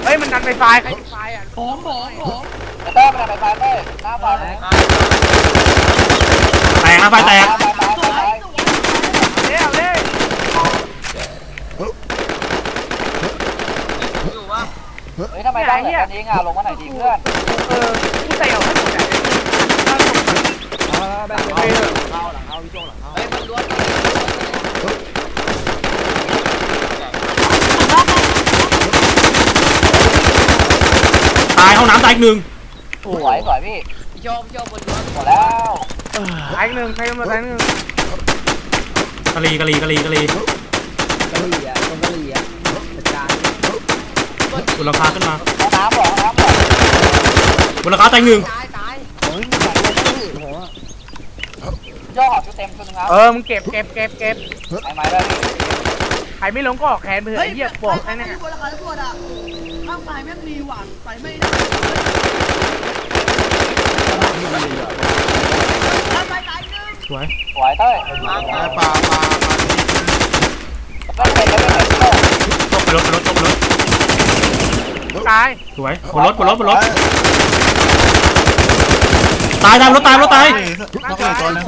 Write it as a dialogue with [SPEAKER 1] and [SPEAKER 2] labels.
[SPEAKER 1] เฮ้ยมันดันไฟไฟใครไฟไฟอ่ะผม
[SPEAKER 2] เต้มันไปไปเต้หน้าบอลเลย
[SPEAKER 3] แตกนะไฟแตก
[SPEAKER 1] เร็วเร็ว
[SPEAKER 4] อยู่วะ
[SPEAKER 2] เฮ้ยทำไมได้แบบนี้งาลงมาไหนดีเพื่อน
[SPEAKER 1] กูเตะออกให้หมดเลย
[SPEAKER 5] แบบเข้าหลังเข้าพี่โจ้หลังเข้า
[SPEAKER 4] เฮ้ยมันล้วน
[SPEAKER 3] ตายห้องน้ำตายอีกหนึ่ง
[SPEAKER 2] สวยสวยพี่
[SPEAKER 4] พี่โชคบนล้วน
[SPEAKER 2] หมดแล้ว
[SPEAKER 1] ตายหนึ่งใครมาตายหนึ่ง
[SPEAKER 3] กะลี
[SPEAKER 5] กะหรี่อ่ะตรงกะหรี่อ่ะจัดการ
[SPEAKER 3] บนราคาขึ้นมา
[SPEAKER 2] ห้องน้ำหรอห้องน้ำหรอบ
[SPEAKER 3] นราคาตายหนึ่ง
[SPEAKER 4] ตาย
[SPEAKER 5] โอ้ยจัดเลยโอ้โห
[SPEAKER 2] ย่อหอบชุดเต็มชุดนึงครับ
[SPEAKER 1] มึงเก็บ
[SPEAKER 2] ไอ้ไม้ได้พี่
[SPEAKER 1] ใครไม่ลงก็ออกแขนไปเถอะเหี้ยบอกแค่นี้
[SPEAKER 6] บนราคาตำรวจอ่ะข้างซ้ายแม่งมีหวานไปไม่ได้ไปตายหนึ่ง
[SPEAKER 3] สวย
[SPEAKER 2] สวยเต้ย
[SPEAKER 4] มา
[SPEAKER 7] ปลา
[SPEAKER 2] ไม่เป็นไม่เป็น
[SPEAKER 3] ตกไปรถ
[SPEAKER 1] ตาย
[SPEAKER 3] สวยบนรถตายรถตาย
[SPEAKER 7] ต้องเกิดตัวนึง